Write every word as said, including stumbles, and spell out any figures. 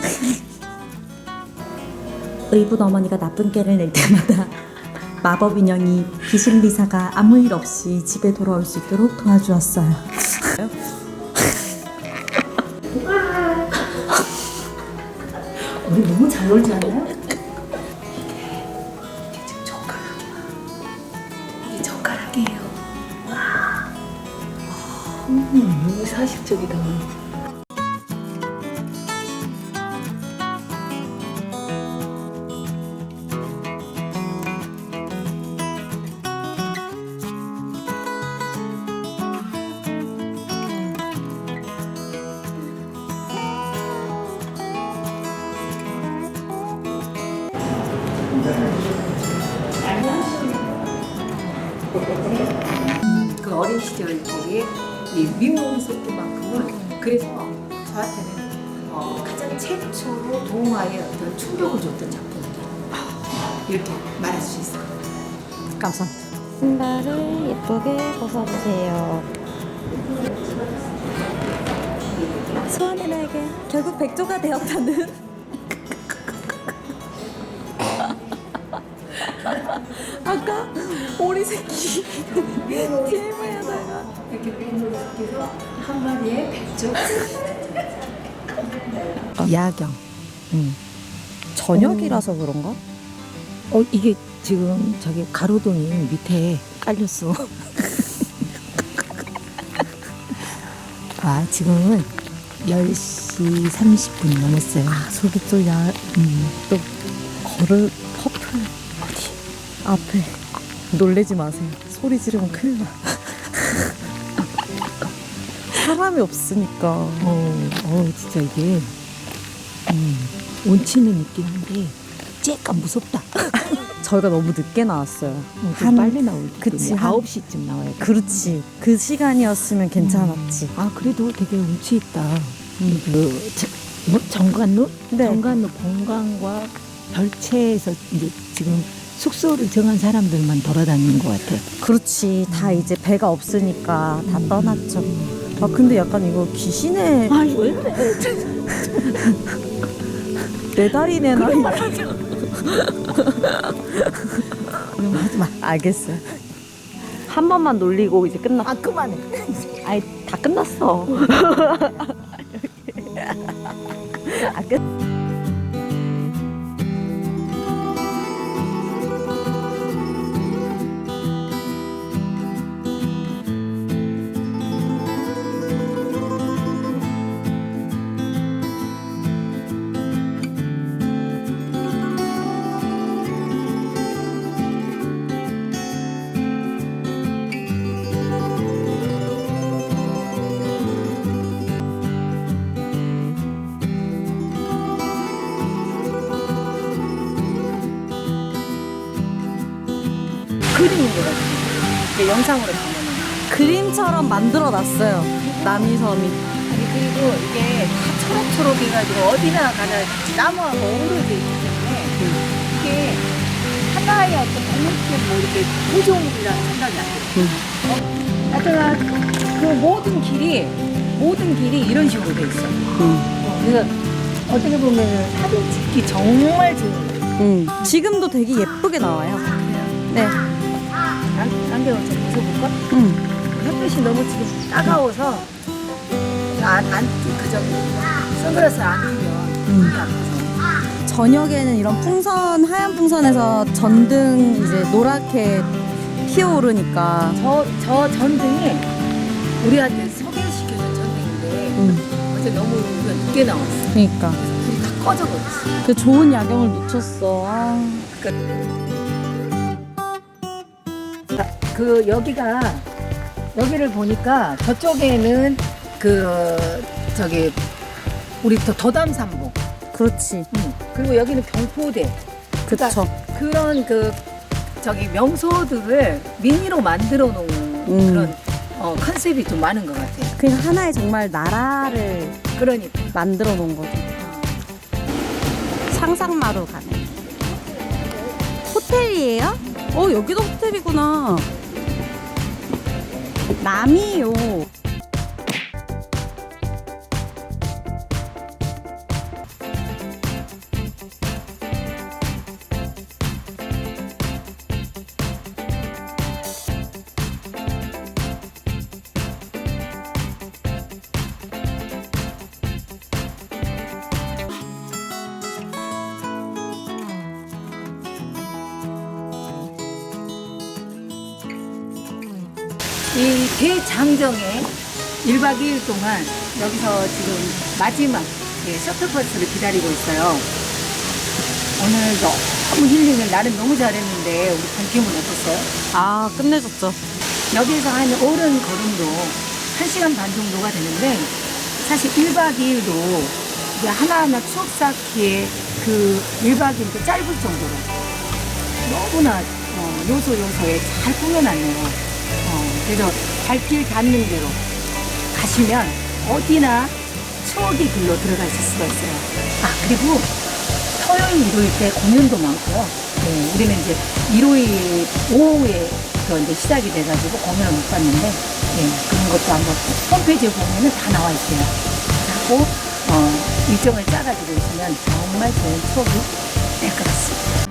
의붓 어머니가 나쁜 깨를 낼 때마다 마법 인형이 귀신 리사가 아무 일 없이 집에 돌아올 수 있도록 도와주었어요. 우리 너무 잘 놀지 않아요? 이게 지금 젓가락이야. 이게 젓가락이에요. 와, 음, 너무 사실적이다. 그 어린 시절에 이 미운 속도만큼은 그래서 저한테는 어, 가장 최초로 동화에 어떤 충격을 줬던 작품이다. 이렇게 말할 수 있을 것 같아요. 감사합니다. 신발을 예쁘게 벗어주세요. 소원의 날개 결국 백조가 되었다는. 아까 오리 새끼 티엠아이하다가 이렇게 미운 속에서 한 마리의 백조. 야경. 음. 저녁이라서 그런가? 어 이게 지금 저기 가로등이 밑에 깔렸어. 아 지금은 열 시 삼십 분이 넘었어요. 아 저기 또 야, 음, 또 걸을 퍼플 어디 앞에 놀래지 마세요. 소리 지르면 큰일 나. 사람이 없으니까. 어, 어 진짜 이게 음, 온치는 있긴 한데 쬐깐 무섭다. 저희가 너무 늦게 나왔어요. 어, 좀 한- 빨리 나올 그치, 때 한- 아홉 시쯤 나와야 돼. 그렇지. 그 시간이었으면 괜찮았지. 아 그래도 되게 운치 있다. 음, 그 저, 뭐, 정관루? 네. 정관루 본관과 별채에서 이제 지금 숙소를 정한 사람들만 돌아다니는 것 같아. 그렇지. 다 이제 배가 없으니까 다 떠났죠. 아 근데 약간 이거 귀신의 아 왜 그래? 네 다리 네 다리. 그럼 하지 마. 알겠어요. 한 번만 놀리고 이제 끝나. 아 그만해. 아이 다 끝났어. 아 끝. 그림인 것 같아요. 이게 영상으로 보면은. 그림처럼 만들어 놨어요. 남이섬이. 아니 그리고 이게 다 초록초록 해가지고 어디나 가나 나무하고 어우러져 있기 때문에 이게 하나의 어떤 독립된 뭐 이렇게 구조물이라는 생각이 안 들어요. 어? 하여튼 그 모든 길이 모든 길이 이런 식으로 돼 있어. 어, 그래서 어떻게 보면 사진 찍기 정말 좋은 거예요. 응. 지금도 되게 예쁘게 나와요. 네. 안, 안경을 좀 벗어볼까? 응. 햇빛이 너무 지금 따가워서 안, 안, 그저 선글라스 안 끼면 눈이 아파서. 저녁에는 이런 풍선 하얀 풍선에서 전등 이제 노랗게 피어오르니까. 저, 저 전등이 우리한테 소개시켜준 전등인데 응. 어제 너무 우리가 늦게 나왔어. 그러니까. 불이 다 꺼져버렸어. 그 좋은 야경을 놓쳤어. 아. 그 여기가 여기를 보니까 저쪽에는 그 저기 우리 더 더담산보. 그렇지. 응. 그리고 여기는 경포대. 그쵸. 그런 그 저기 명소들을 미니로 만들어 놓은 음. 그런 어, 컨셉이 좀 많은 것 같아요. 그냥 하나의 정말 나라를 그러니까 만들어 놓은 거죠. 상상마루 가네. 호텔이에요? 어, 여기도 호텔이구나. 남이요. 이 대장정에 일 박 이 일 동안 여기서 지금 마지막 예, 셔틀버스를 기다리고 있어요. 오늘 너무 힐링을 나름 너무 잘했는데 우리 동팀은 어땠어요? 아, 끝내줬죠. 여기에서 한 오른 걸음도 한 시간 반 정도가 되는데 사실 일 박 이 일도 이제 하나하나 추억 쌓기에 그 일 박 이 일도 짧을 정도로 너무나 어, 요소 요소에 잘 꾸며놨네요. 어, 그래서 발길 닿는 대로 가시면 어디나 추억의 길로 들어가실 수가 있어요. 아, 그리고 토요일, 일요일 때 공연도 많고요. 네, 우리는 이제 일요일 오후에 그 이제 시작이 돼가지고 공연을 못 봤는데, 네, 그런 것도 한번 홈페이지에 보면은 다 나와 있어요. 하고, 어, 일정을 짜가지고 있으면 정말 좋은 추억이 될 것 같습니다.